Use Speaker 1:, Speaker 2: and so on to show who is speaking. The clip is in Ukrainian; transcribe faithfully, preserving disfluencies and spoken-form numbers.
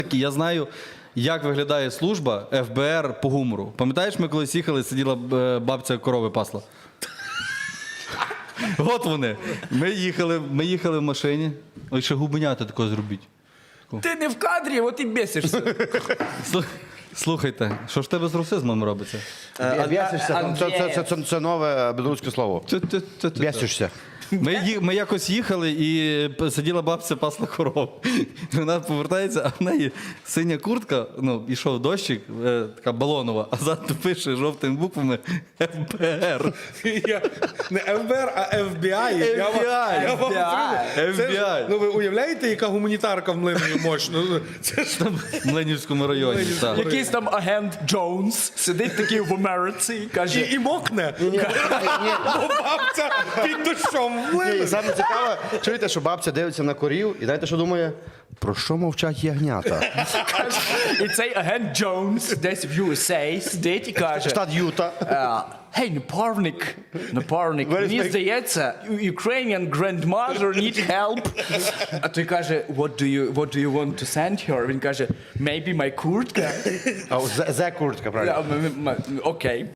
Speaker 1: Я знаю, як виглядає служба еф бе ер по гумору. Пам'ятаєш, ми колись їхали, сиділа е, бабця корови пасла? От вони. Ми їхали, ми їхали в машині. Ой, ще губенята такого зробіть.
Speaker 2: Ти не в кадрі, от і бесишся.
Speaker 1: Слух- Слухайте, що ж в тебе з русизмом робиться?
Speaker 3: Бєсишся. Це, це, це, це, це нове білоруське слово.
Speaker 1: Тю-тю-тю-тю-тю.
Speaker 3: Бєсишся.
Speaker 1: Ми, ї- ми якось їхали і п- сиділа бабця пасла коров. Вона повертається, а в неї синя куртка, ну, ішов дощик, е, така балонова, а ззаду пише жовтими буквами еф бе ер.
Speaker 4: Я- Не еф бе ер, а еф бі ай. Я вам-
Speaker 1: еф бі ай.
Speaker 4: я вам скажу,
Speaker 1: еф
Speaker 4: це
Speaker 1: бі
Speaker 4: ж-
Speaker 1: ай.
Speaker 4: Ну ви уявляєте, яка гуманітарка в Млинові мощна? Ну, Це ж
Speaker 1: В Млинівському районі.
Speaker 4: Млинівському.
Speaker 1: Так.
Speaker 2: Якийсь там агент Джонс сидить такий в Америці і каже,
Speaker 4: і, і мокне. Бо бабця під дощом в
Speaker 3: Ні, і
Speaker 4: Млинові.
Speaker 3: саме цікаве, чуєте, що бабця дивиться на корів, і знаєте, що думає? Про що мовчать ягнята?
Speaker 2: і цей агент Джонс десь в ю ес ей сидить і каже,
Speaker 3: Штат Юта.
Speaker 2: «Е, Гей, напарник, напарник,
Speaker 3: Where is
Speaker 2: мені
Speaker 3: my-
Speaker 2: здається, Ukrainian grandmother need help. А той каже, what do you, what do you want to send her? Він каже, maybe my куртка.
Speaker 3: А, зе, зе куртка, правильно.
Speaker 2: Окей.